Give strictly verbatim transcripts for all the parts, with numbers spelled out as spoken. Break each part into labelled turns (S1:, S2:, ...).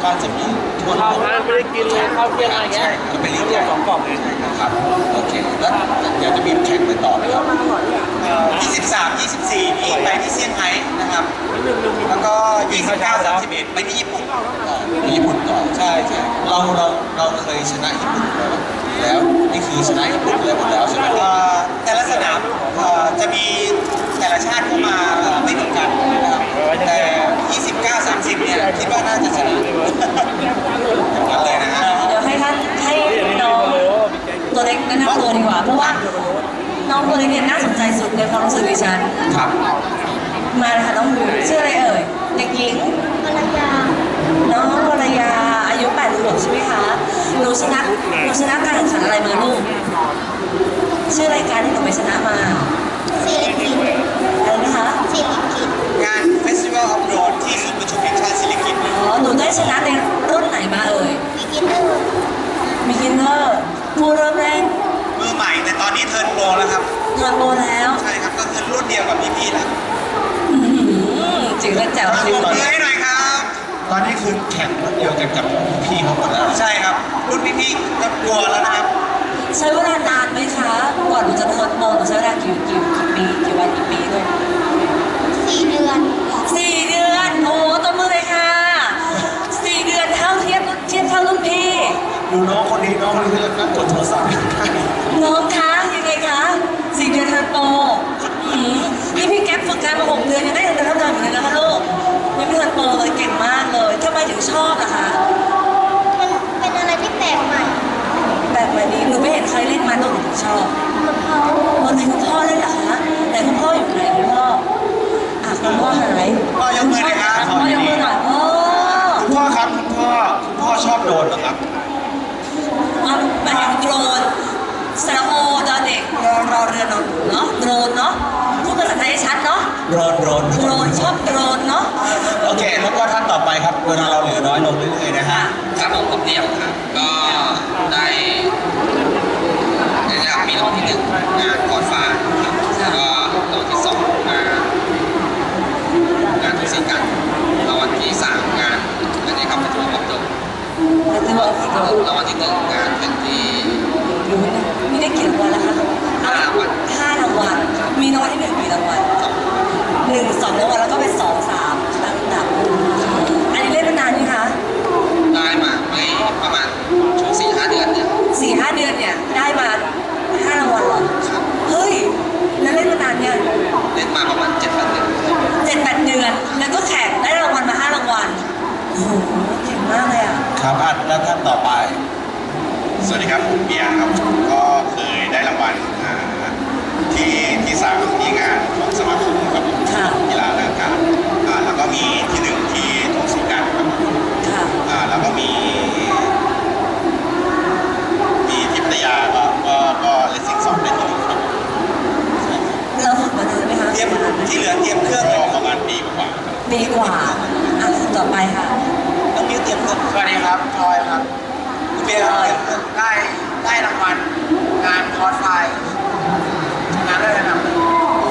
S1: บ้านจะมีทั่วโล
S2: ข้าว
S1: ก
S2: ร้านไม่ได้กินเลยข้าวเที่ยงอะไรเงี้ย
S1: ก็เป็นเรื่องให
S2: เรีย
S1: ญ่
S2: กสองกล่องเอง
S1: ครับโอเคแล้วเดี๋ยวจะมีแข่งไปต่อไหมครับ
S3: ยี่สิบสาม ยี่สิบสี่นี่ไปที่เซี่ยงไฮ้นะครับแล้วก็ยี่สิบเก้า สามสิบเอ็ดไปที่ญี่ปุ่น
S1: ญี่ปุ่นต่อใช่ใช่เราเราเราเคยชนะญี่ปุ่นแล้วแล้วนี่คือชนะญี่ปุ่นเลยหมดแล้วใช่ไหม
S3: เอ่อแต่ละสนามเอ่อจะมีแต่ละชาติเข้ามาเอ่อไม่เหมือนกันนะครับแต่ ยี่สิบเก้า สามสิบเนี่ยคิดว่าน่าจะชนะอย่างนั้นเลยนะฮะ
S4: เดี๋ยวให้ท่านให้น้องตัวเล็กแนะนำตัวดีกว่า เพราะว่าน้องตัวเล็กเนี่ยน่าสนใจสุดในความรู้สึกดิฉัน
S1: ครับ
S4: มาเลยค่ะน้องหมูชื่ออะไรเอ่ยเด็กหญิงวรยาน้องวรยาอายุแปดขวบใช่ไหมคะหนูชนะหนูชนะการแข่งขันอะไรมาลูกชื่อรายการที่หนูไปชนะมา
S5: ซีลิกิต
S4: อะไรนะคะ
S5: ซีลิกิต
S3: งาน Festival of Road ที่ศูนย์ประชุมแห่งชาติศิริกิติ์
S4: อ๋อหนูได้ชนะในรุ่นไหนมาเอ่ย
S5: บิกินเนอร์
S4: มีกินเนอร์ผู้เริ่มเล่น
S3: มือใหม่แต่ตอนนี้เทิร์นโปรแล้วครับ
S4: เทิร์นโปรแล้ว
S3: ใช่ครับก็คือรุ่นเดียวกับพี่ๆแล้ว
S4: อื้อหือจิ๋วและแจ๋ว
S3: ปร
S4: จริ
S3: บ
S4: ง
S3: มือให้หน่อยครับ
S1: ตอนนี้คือแข่งรุ่นเดียวกันกับพี่เขาหมดแล้ว
S3: ใช่ครับ รุ่นพี่ๆก็กลัวแล้วนะครับ
S4: ใช้เวลานานไหมคะก่อนหนูจะเทิร์นโปรหนูใช้เวลากี่กี่กี่ปีกี่วันกี่ปีด้วย
S5: สี่เดือน
S4: สี่เดือนโอ้ต้นมือเลยค่ะสี่เดือนเท่าเทียบเทียบเท่ารุ่นพี่
S1: ดูน้องคนนี้น้องคนนี้ก็นั่งกดโทรศัพท์
S4: น้องคะยังไงคะสี่เดือนเทิร์นโปรอืมนี่พี่แก๊ปฝึกงานมาหกเดือนยังได้เงินเดือนเท่าเดิมอยู่เลยนะคะลูกยังไม่เทิร์นโปรเลยเก่งมากเลยทำไมถึงชอบล่ะคะ
S5: มันเป็นอะไรที่แปลกใหม่
S4: แบบแบบนี้หนูไม่เห็นใครเล่นมาหนูถึงชอบ
S5: กับเขา
S4: วันไหนคุณพ่อเล่นเหรอคะแต่คุณพ่ออยู่ไหนคุณพ่ออ่ะคุณพ่อหาย
S3: พ่อยกมือหน่อยครับ
S4: คุณพ่อยกมือหน่อยพ่อ
S1: คุณพ่อครับคุณพ่อคุณพ่อชอบโดนเหรอครับ
S4: อ่ะแบบโดรนสระโอดอเด็กรอรอเรือนอนเนาะโดรนเนาะพูดภาษาไทยให้ชัดเนาะ
S1: โดนโดน
S4: โดรนชอบโดรนเนาะ
S1: โอเคแล้วก็ท่านต่อไปครับเวลาเราเหลือน้อยลงเรื่อยๆนะฮะ
S6: ครับผมผมเดี่ยวครับก็ได้ในระดับมีรางวัลที่หนึ่งงานกอดฟ้าครับแล้วก็รางวัลที่สองงานงานทุกสิ่งกันรางวัลที่สามงานอันนี้ครับเป็นตัวบอกตรง
S4: แต่จะบอกอีก
S6: รางวัลที่หนึ่งงานเป็นที่
S4: รู้นะนี่ได้กี่รางวัลแล้วคะ
S6: ห้ารางวัล
S4: ห้ารางวัลมีรางวัลที่หนึ่งกี่รางวัล
S6: สอง
S4: หนึ่งสองรางวัลแล้วก็เป็นสองสามลำดับอันนี้เล่นมานานไหมคะ
S6: ได้มาไม่ประมาณช่วงสี่ห้าเดือนเนี่ย
S4: สี่ห้าเดือนเนี่ยได้มาห้ารางวัลเหรอ
S6: ครับ
S4: เฮ้ยแล้วเล่นมานานเนี่ย
S6: เล่นมาประมาณเจ็ดแปดเดือน
S4: เจ็ดแปดเดือนแล้วก็แข่งได้รางวัลมาห้ารางวัลโอ้โหเก่งมากเลยอ่ะ
S1: ครับอ่ะแล้วท่านต่อไป
S7: สวัสดีครับผมเบียร์ครับก็เคยได้รางวัลอ่าที่ที่สามที่งานของสมาคมครับผม
S4: ค่ะ
S7: กีฬาแรงกายอ่าแล้วก็มีที่หนึ่งที่ทุ่งศรีกันครับผม
S4: ค่ะ
S7: อ่าแล้วก็มี มีที่พัทยาก็ก็ก็เลสซิ่งสองได้ที่หนึ่งครับผมใช่ครับ
S4: เราฝึกมานานไหมคะ
S3: เตรียมที่เหลือเตรียมเครื่อง
S7: ก็ประมาณปีกว่าๆครับ
S4: ปีกว่าอ่ะต่อไปค่ะ
S3: ต้องมีเตรียมเครื่อง
S2: สวัสดีครับทอยครับ
S3: คุณเบียร์ครับเตรียมเครื่อง
S2: ได้ได้รางวัลงานคอร์สไฟชนะเลิศระดับหนึ่ง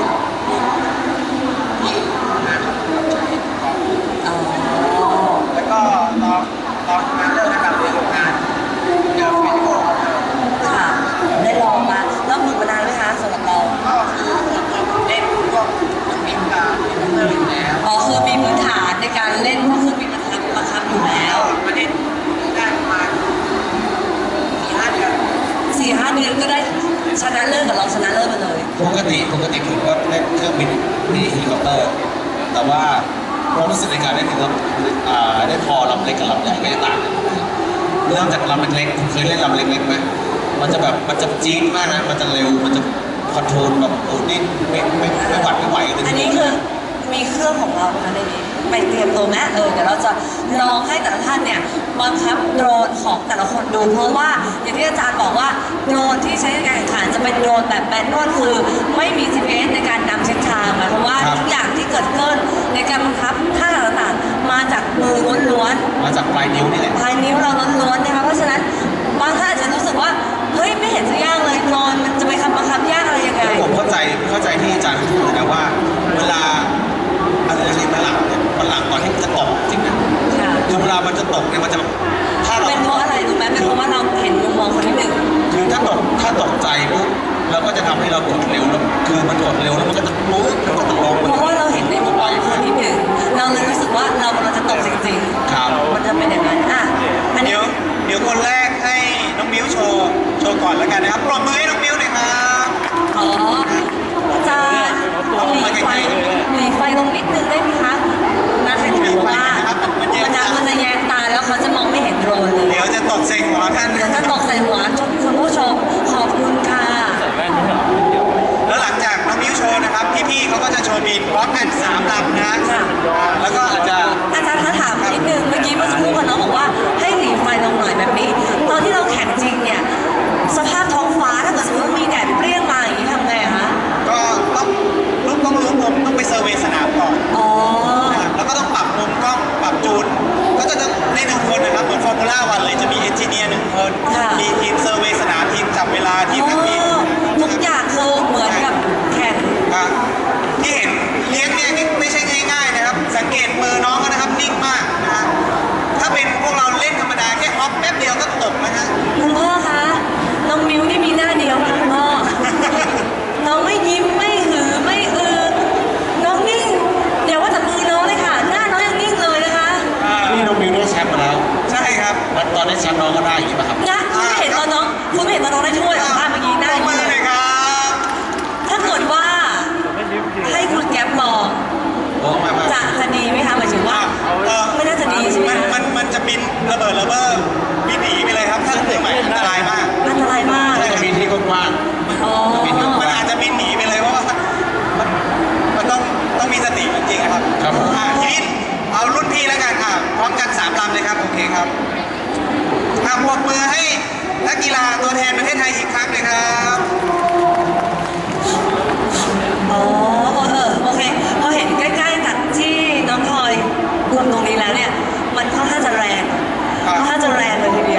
S2: ที่งานรับใช้กอง
S4: อ๋อ
S2: แล้วก็รองรองชนะเลิศระดับหนึ่งของงานเดอะเฟสติวัลของเธอ
S4: ค่ะ ได้ลองมาแล้วฝึกมานานไหมคะสำหรับเรา
S2: ก็คือเล่นพวกเครื่องบินกับเฮลิคอปเตอร์อยู่แล้ว
S4: อ๋อคือมีพื้นฐานในการเล่นพวกเครื่องบินบังคับบังคับอยู่แล้ว
S2: มาเล่นได้ประมาณสี่ห้าเดือน
S4: สี่ห้าเดือนก็ได้ชนะเลิศกับรองชนะเลิศมาเลย
S1: ปกติปกติผมก็เล่นเครื่องบินมีเฮลิคอปเตอร์ แต่ว่าความรู้สึกในการเล่นเฮลิคอปอ่าได้พอลำเล็กกับลำใหญ่ก็จะต่างกันเริ่มจากลำเล็กๆคุณเคยเล่นลำเล็กๆไหมมันจะแบบมันจะจี๊ดมากนะมันจะเร็วมันจะคอนโทรลแบบโอ้นี่ไม่ไม่ไม่หวัดไม่ไหวเลย
S4: อันนี้คือมีเครื่องของเราค่ะในนี้ไปเตรียมตัวแม่เออเดี๋ยวเราจะลองให้แต่ละท่านเนี่ยบังคับโดรนของแต่ละคนดูเพราะว่าอย่างที่อาจารย์บอกว่าโดรนที่ใช้ในการแข่งขันจะเป็นโดรนแบบแมนนวลคือไม่มี จี พี เอส ในการนำเส้นทางหมายความว่าทุกอย่างที่เกิดขึ้นในการบังคับท่าต่างๆมาจากมือล้วนๆ
S1: มาจากปลายนิ้วนี่แหละ
S4: ภายนิ้วเราล้วนๆนะคะเพราะฉะนั้นบางท่านอาจจะรู้สึกว่าเฮ้ยไม่เห็นจะยากเลยนอนมันจะไปคำบังคับยากอะไรยังไง
S1: แล้วผมเข้าใจเข้าใจที่อาจารย์พูดเลยนะว่า เวลาอะไรเรียกฝรั่งเนี่ยฝรั่งตอนที่จะตกจริงนะ
S4: ค่ะ
S1: คือคือเวลามันจะตกเนี่ยมันจะถ้าเรา
S4: เป็นเพราะอะไรรู้ไหมเป็นเพราะว่าเราเห็นมุมมองคนที่หนึ่ง
S1: คือถ้าตกถ้าตกใจปุ๊บเราก็จะทำให้เรากดเร็วแล้วคือมันกดเร็วแล้วมันก็จะปุ๊บมันก็จะลง
S4: เพราะว่าเราเห็นในมุมมองคนที่หนึ่งเราเลยรู้สึกว่าเรากำลังจะตกจริง
S1: ครับ
S4: ๆมันจะเป็นอย่างนั้นอ่ะอันนี้
S3: เดี๋ยวเดี๋ยวคนแรกให้น้องมิ้วโชว์โชว์ก่อนแล้วกันนะครับปรบมือให้น้องมิ้วหน่อยครับ
S4: อ๋อจะหลีไฟหลีไฟลงนิดนึงได้ไหมคะน่าจะถือว่ามันจะมันจะแยงตาแล้วเขาจะมองไม่เห็นโดรนเลย
S3: เดี๋ยวจะตกใส่หัวท่าน
S4: เดี๋ยวจะตกใส่หัวคุณผู้ชมขอบคุณค่ะ
S3: แล้วหลังจากน้องมิ้วโชว์นะครับพี่ๆเขาก็จะโชว์บินพร้อมกันสามลำนะ
S4: ค่ะ
S3: แล้วก็อาจจะ
S4: อาจารย์คะถามนิดนึงเมื่อกี้เมื่อสักครู่น้องบอกว่าให้หลีไฟลงหน่อยแบบนี้ ตอนที่เราแข่งจริงเนี่ยสภาพท้องฟ้าถ้าเกิดสมมติว่ามีแดดเปรี้ยงมาอย่างนี้ทำไงคะ
S3: ก็ต้องรู้ต้องรู้มุมต้องไปเซอร์เวย์สนามก่อน
S4: อ๋อ
S3: นะครับแล้วก็ต้องปรับมุมกล้องปรับจูนก็จะต้องในหนึ่งคนนะครับเหมือนฟอร์มูล่าวันเลยจะมีเอนจิเนียร์หนึ่งคนมีทีมเซอร์เวย์สนามทีมจับเวลาทีมนักบิน
S4: ทุกอย่างคือเหมือนกับแข่ง
S3: ครับที่เห็นเลี้ยงเนี่ยนี่ไม่ใช่ง่ายๆนะครับ สังเกตมือน้องก็นะครับนิ่งมากนะฮะถ้าเป็นพวกเราเล่นธรรมดาแค่ฮอปแป๊บเดียวก็ตกนะฮะ
S4: คุณพ่อคะน้องมิวนี่มีหน้าเดียวค่ะคุณพ่อน้องไม่ยิ้มไม่หือไม่อือน้องนิ่งเดี๋ยวว่าแต่มือน้องเลยค่ะ หน้าน้องยังนิ่งเลยนะคะ
S1: นี่น้องมิวได้แชมป์มาแล้ว
S3: ใช่ครับ
S1: แล้วตอนได้แชมป์น้องก็ได้อย่างนี้ป่ะครับ
S4: นะคุณไม่เห็นตอนน้องคุณไม่เห็นตอนน้องได้ถ้วยสัมภาษณ์เมื่อกี้ได้
S3: ปรบมือ
S4: เล
S3: เลย ยครับ
S4: ถ้าเกิดว่าให้คุณแก๊ปลอง
S1: โอ้มามา
S4: จะจะดีไหมคะหมายถึงว่า
S3: เออ
S4: ไม่น่าจะดีใช่ไหม
S3: มันมันมันจะบินระเบิดระเบ้อบินหนีไปเลยครับถ้าเกิดใหม่อันตรายมาก
S4: อันตรายมาก
S1: ใช่จะมีที่กว้าง
S4: อ๋อ
S3: มันอาจจะบินหนีไปเลยเพราะว่ามันมันต้องต้องมีสติจริงๆนะครับ
S1: ๆครับผม
S3: อ่ะทีนี้เอารุ่นพี่แล้วกันอ่ะพร้อมกันสามลำเลยครับโอเคครับอ่ะปรบมือให้นักกีฬาตัวแทนประเทศไทยอีกครั้งเลยครับ
S4: อ๋อเออโอเคพอเห็นใกล้ๆกับที่น้องพลอยรวมตรงนี้แล้วเนี่ยมันค่อนข้างจะแรงค่อนข้างจะแรงเลยทีเดียว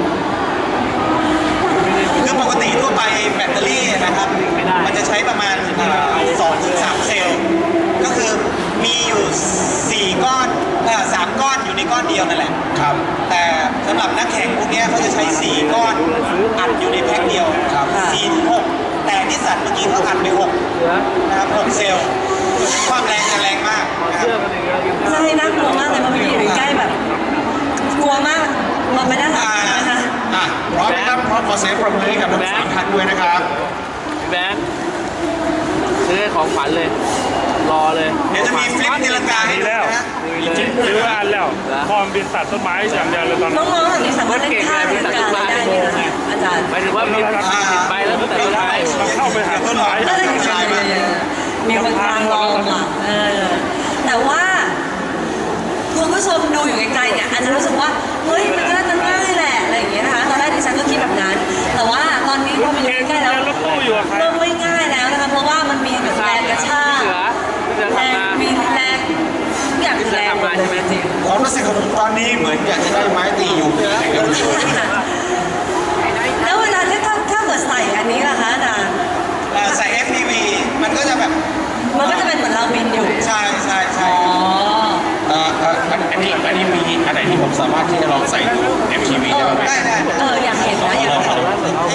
S3: คือปกติทั่วไปแบตเตอรี่นะครับ มันจะใช้ประมาณสองถึงสามเซลล์ ก็คือมีอยู่สี่ก้อนเอ่อสามก้อนอยู่ในก้อนเดียวนั่นแหละ
S1: ครับ
S3: แต่สำหรับนักแข่งพวกเนี้ยเขาจะใช้สี่ก้อนอัดอยู่ในแพ็คเดียว
S1: ครับ
S3: สี่ถึงหกแต่นิสสันเมื่อกี้เขาอัดไปหกนะครับหกเซลล์ความแรงจะแรงมากนะครับ
S4: ใช่น่ากลัวมากเลยเพราะมันอยู่ใกล้แบบกลัวมากมองไปด้านหลังนะคะ
S1: อ่ะพร้อมนะครับพร้อมขอเสียงปรบมือให้กับทั้งสามท่านด้วยนะครับ
S8: พี่แบงค์ซื้อของขวัญเลย รอเลย
S3: เดี๋ยวจะมีฟลิปตีลังกาให้ดูนะฮะ
S9: ซื้อมาอันแล้วพร้อมบินตัดต้นไม้อย่างเดียวเลยตอนนี้
S4: น้องๆแบบนี้สามารถเล่นท่าเล่นการได้เลยนะคะอาจารย์
S8: หมายถึงว่ามีติดไปแล้วตั้งแต่ต้นไม้
S9: เข้าไปหาต้นไม้
S4: ก็เลยมีคนกลางลองอ่ะเออแต่ว่าคุณผู้ชมดูอยู่ไกลๆเนี่ยอาจจะรู้สึกว่าเฮ้ยมันก็น่าจะง่ายแหละอะไรอย่างเงี้ยนะคะตอนแรกดิฉันก็คิดแบบนั้น แต่ว่าตอนนี้พอมันอยู่ใกล้ๆแล้ว
S9: รถตู้อยู่กับใคร
S4: เริ่มไม่ง่ายแล้วนะคะเพราะว่ามันมีแบบแรงกระชาก
S8: เสือเสือ
S4: แร
S8: ทำ
S4: ง
S8: มา
S4: มีแรงทุกอย่างแรงหมดเลยจริง
S1: ความรู้สึกของผมตอนนี้เหมือนอยากจะได้ไม้ตีอยู่ที่ไหนก็ไม่รู้
S4: ๆแล้วเวลาที่ถ้าถ้าเกิดใส่อันนี้ล่ะคะอาจารย์
S3: เอ่อใส่ เอฟ พี วี มันก็จะแบบ
S4: มันก็จะเป็นเหมือนเราบินอยู่
S3: ใช่ใช่ใช่
S4: อ๋อ
S1: เอ่อเอ่ออันอันนี้อันนี้มีอันไหนที่ผมสามารถที่จะลองใส่ดู เอ็ม ที วี ได้ไหม
S3: ได้ได้
S4: เอออยากเห็นนะอยาก
S1: ลอง
S4: เห็น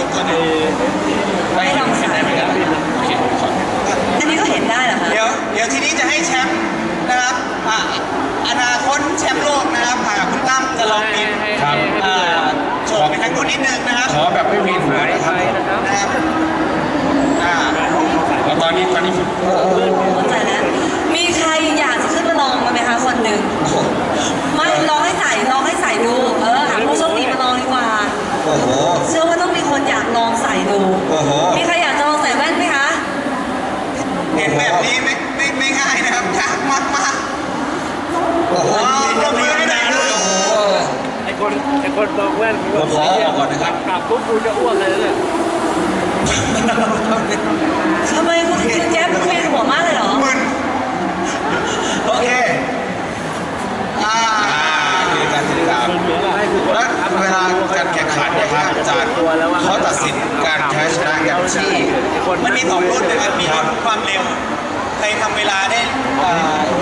S1: ได้ลองใส่ได้ไหมครับโอเคผมขอ
S4: อันนี้ก็เห็นได้เหรอคะ
S3: เดี๋ยวเดี๋ยวทีนี้จะให้แชมป์นะครับอ่ะอนาคตแชมป์โลกนะครับอ่ะคุณตั้มจะลองบิน
S1: ครับ
S3: อ่าโชว์ไปทางนู้นนิดนึงนะครับ
S1: ขอแบบไม่มีหัวนะครับ
S3: นะครับอ่า
S1: แล้วตอนนี้ตอนนี้ผม
S4: เข้าใจแล้วมีใครอยากจะขึ้นมาลองมาไหมคะคนหนึ่งไม่ลองให้ใส่ลองให้ใส่ดูเออหาผู้โชคดีมาลองดีกว่า
S1: โอ้โห
S4: เชื่อว่าต้องมีคนอยากลองใส่ดู
S1: โอ้โห
S4: มีใครอยากจะลองใส่แว่นไหมคะ
S3: เห็นแบบนี้ไม่ไม่ไม่ง่ายนะครับยากมากมาก
S1: โอ้โห
S3: อ๋อปรบมือให้หน่อยครับ
S8: ไอ้คนไอ้คนลองแว่น
S1: ผมขอออกก่อนนะครับ
S8: กลับปุ๊บกูจะอ้วกเลยเนี่ย
S4: ทำไมคุณคุณแก๊ปคุณเวียนหัวมากเลยเหรอ
S3: มึนโอเคอ่า
S1: คือการติดตามและเวลาการแข่งขันเนี่ยครับอาจารย์เขาตัดสินการแพ้ชนะกันที่
S3: มันมีสองรุ่นนะครับมีรุ่นความเร็วใครทำเวลาได้เอ่อ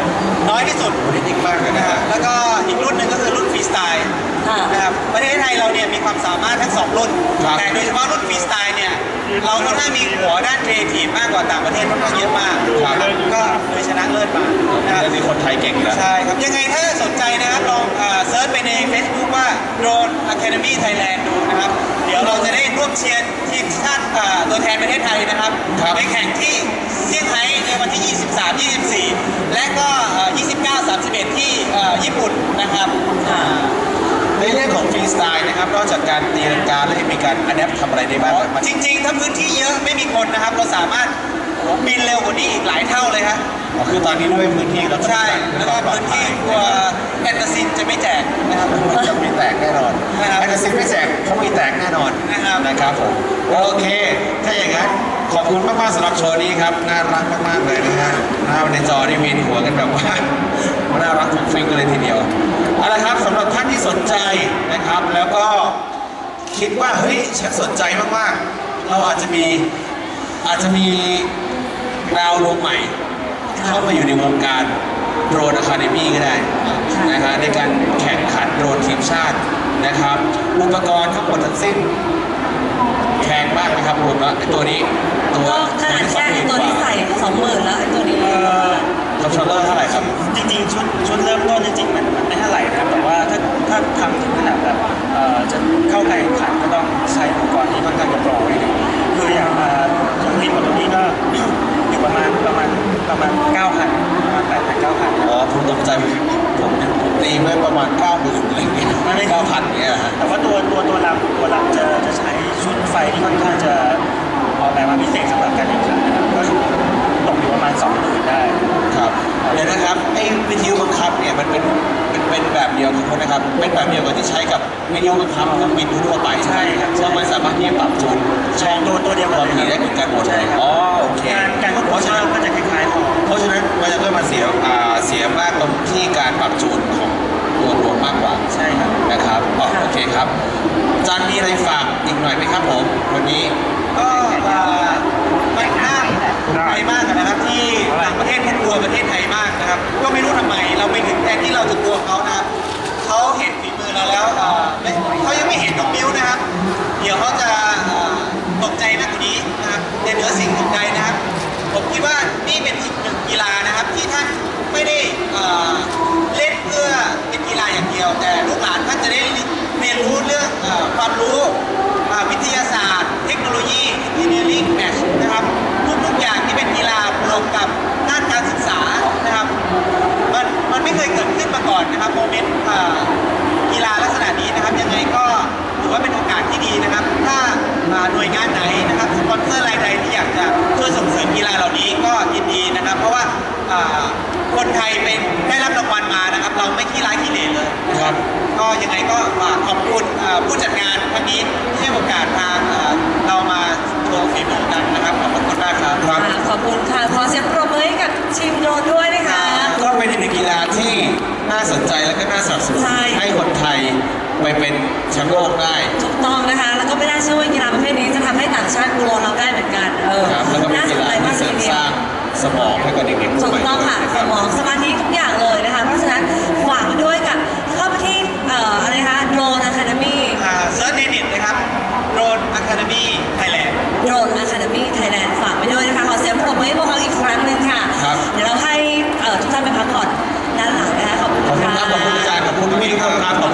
S3: น้อยที่สุด
S1: โอ้นี่นิ่งมากเลยนะ
S3: นะค
S1: ฮะ
S3: รับแล้วก็อีกรุ่นหนึ่งก็คือรุ่นฟรีสไตล์
S4: ค่ะ
S3: นะครับประเทศไทยเราเนี่ยมีความสามารถทั้งสองรุ่น
S1: ครับ
S3: แต่โดยเฉพาะรุ่นฟรีสไตล์เนี่ยเราค่อนข้างมีหัวด้านครีเอทีฟมากกว่าต่างประเทศค่อนข้างเยอะมาก
S1: ครับ
S3: ก็เลยชนะเลิศมานะครับ
S1: เรื่องนี้คนไทยเก่งนะ
S3: ใช่ครับ ยังไงถ้าสนใจนะครับลองเซิร์ชไปใน Facebook ว่า Drone Academy Thailand ดูนะครับ เดี๋ยวเราจะได้ร่วมเชียร์ทีมชาติอ่าตัวแทนประเทศไทยนะครับ
S1: ครับ
S3: ไปแข่งที่เซี่ยงไฮ้ในวันที่ ยี่สิบสาม ยี่สิบสี่ และก็เอ่อยี่สิบเก้า สามสิบเอ็ด ที่เอ่อญี่ปุ่นนะครับอ่า
S1: ในเรื่องของฟรีสไตล์นะครับนอกจากการตีลังกาแล้วยังมีการอัดแอปทำอะไรได้บ้างครับมัน
S3: จริงๆ ถ้าพื้นที่เยอะไม่มีคนนะครับ เราสามารถโอ้โหบินเร็วกว่านี้อีกหลายเท่าเลยครับ
S1: อ๋อคือตอนนี้ด้วยพื้นที่เรา
S3: ใช่ แล้วก็พื้นที่ตัวแอนตาซินจะไม่แจกนะครับ
S1: จะมีแตกแน่นอน
S3: นะครับ
S1: แอนตาซินไม่แจกเขามีแตกแน่นอน
S3: นะครับ
S1: นะครับผมโอเค ถ้าอย่างนั้นขอบคุณมากๆสำหรับโชว์นี้ครับน่ารักมากๆเลยนะฮะหน้าในจอนี่เวียนหัวกันแบบว่า น่ารักฟุ้งฟิ้งกันเลยทีเดียวเอาละครับสำหรับท่านที่สนใจนะครับ แล้วก็คิดว่าเฮ้ยฉันสนใจมากๆ เราอาจจะมีอาจจะมีดาวดวงใหม่ เข้ามาอยู่ในวงการโดรนอะคาเดมี่ก็ได้นะฮะในการแข่งขันโดรนทีมชาตินะครับ อุปกรณ์ทั้งหมดทั้งสิ้นแพงมากนะครับรวมแล้วไอ้ตัวนี้ตัว
S4: ก็ขนาดแค่ตัวที่ใส่สองหมื่นแล้วไอ้ตัวนี้
S1: คอนโทรลเลอร์เท่าไหร่ครับ
S3: จริงๆชุดชุดเริ่มต้นจริงๆมันมันไม่เท่าไหร่นะครับแต่ว่าถ้าถ้าทำถึงขนาดแบบเอ่อจะเข้าการแข่งขันก็ต้องใช้อุปกรณ์ที่ค่อนข้างจะโปรนิดนึงคืออย่างเอ่ออย่างที่ของตัวนี้ก็ อยู่ประมาณประมาณประมาณเก้าพันประมาณแปดพันเก้าพัน
S1: อ๋อผมตกใจผมผมผมตีไว้ประมาณเก้าหมื่นอะไรเงี้ยไม่เก้าพันเงี้ยฮะ
S3: แต่ว่าตัวตัวตัวลำตัวลำจะจะใช้ชุดไฟที่ค่อนข้างจะออกแบบมาพิเศษสำหรับการแข่งขันนะครับก็ตกอยู่ประมาณสองหมื่นได้
S1: ครับเดี๋ยวนะครับไอ้วิทยุบังคับเนี่ยมันเป็นเป็นเป็นแบบเดียวกันนะครับเป็นแบบเดียวกับที่ใช้กับวิทยุบังคับเครื่องบินทั่วไปใช่ครับซึ่งมันสามารถที่จะปรับจูนช่อง
S3: ตัวตัวเดียวกัน
S1: ความถี่ได้เหมือนกันหมดเลยอ๋อโอเค
S3: การการควบคุมช่องก็จะคล้ายๆของ
S1: เพราะฉะนั้นมันจะต้องมาเสียอ่าเสียมากตรงที่การปรับจูนของตัวรวมมากกว่า
S3: ใช่ครับ
S1: นะครับอ๋อโอเคครับอาจารย์มีอะไรฝากอีกหน่อยไหมครับผมวันนี้
S3: ก็เอ่อมันน่าภูมิใจมากนะครับที่ต่างประเทศเขากลัวประเทศไทยมากนะครับ ก็ไม่รู้ทำไมเราไปถึงแทนที่เราจะกลัวเขานะครับเขาเห็นฝีมือเราแล้วเอ่อไม่เขายังไม่เห็นน้องมิ้วนะครับ เดี๋ยวเขาจะเอ่อตกใจมากกว่านี้นะครับแต่เหนือสิ่งอื่นใดนะครับ ผมคิดว่านี่เป็นอีกหนึ่งกีฬานะครับที่ท่านไม่ได้เอ่อเล่นเพื่อเป็นกีฬาอย่างเดียว แต่ลูกหลานท่านจะได้เรียนรู้เรื่องเอ่อความรู้อ่าวิทยาศาสตร์ เทคโนโลยีอินเนียริ่งแมชนะครับทุกๆอย่างที่เป็นกีฬาบวกกับด้านการศึกษานะครับมันมันไม่เคยเกิดขึ้นมาก่อนนะครับโมเมนต์อ่ากีฬาลักษณะนี้นะครับยังไงก็ถือว่าเป็นโอกาสที่ดีนะครับ ถ้าอ่าหน่วยงานไหนนะครับสปอนเซอร์รายใดที่อยากจะช่วยส่งเสริมกีฬาเหล่านี้ก็ยินดีนะครับ เพราะว่าอ่าคนไทยเป็นได้รับรางวัลมานะครับ เราไม่ขี้ร้ายขี้เหร่เลยนะครับ ก็ยังไงก็ฝากขอบคุณอ่าผู้จัดงานครั้งนี้ที่ให้โอกาสทางอ่าเรามาโชว์ฝีมือกันนะครับขอบคุณมากครับ
S1: ครับ
S4: ค่ะขอบคุณค่ะ ขอเสียงปรบมือให้กับทีมโดรนด้วยนะคะ
S1: ก็เป็นอีกหนึ่งกีฬาที่น่าสนใจและก็น่าสนับสนุน
S4: ใช่
S1: ให้คนไทยไปเป็นแชมป์โลกได้
S4: ถูกต้องนะคะ แล้วก็ไม่น่าเชื่อว่ากีฬาประเภทนี้จะทำให้ต่างชาติกลัวเราได้เหมือนกัน เออ
S1: ครับแล้วก็เป็น
S4: น่าส
S1: กี
S4: น
S1: ฬา
S4: ใจมาก
S1: ที่
S4: ที
S1: เสริม
S4: เดียว
S1: สร้างสมองให้กับเด็กๆ
S4: ถู
S1: ให
S4: ก
S1: ม่
S4: ต้อง
S1: ด้วย
S4: ค่ะ
S1: นะ
S4: ส
S1: รับ
S4: มองสมาธิทุกอย่างเลยนะคะ เพราะฉะนั้นฝากไว้ด้วยกับเข้าไปที่เอ่ออะไรนะคะโดรนอะคาเดมี่
S3: อ่าเซิร์ชในเน็ตนะครับ Drone Academy Thailand
S4: โดรนอะคาเดมี่ไทยแลนด์ฝากไว้ด้วยนะคะ ขอเสียงปรบมือให้พวกเราอีกครั้งหนึ่งค่ะ
S1: ครับ
S4: เดี๋ยวเราให้เอ่อทุกท่านไปพักผ่อนด้านหลังนะคะ ขอบคุณ
S1: ขอบคุณ
S4: ค่ะ
S1: ครับขอบคุณอาจารย์ขอบคุณพี่ๆทุกคนครับ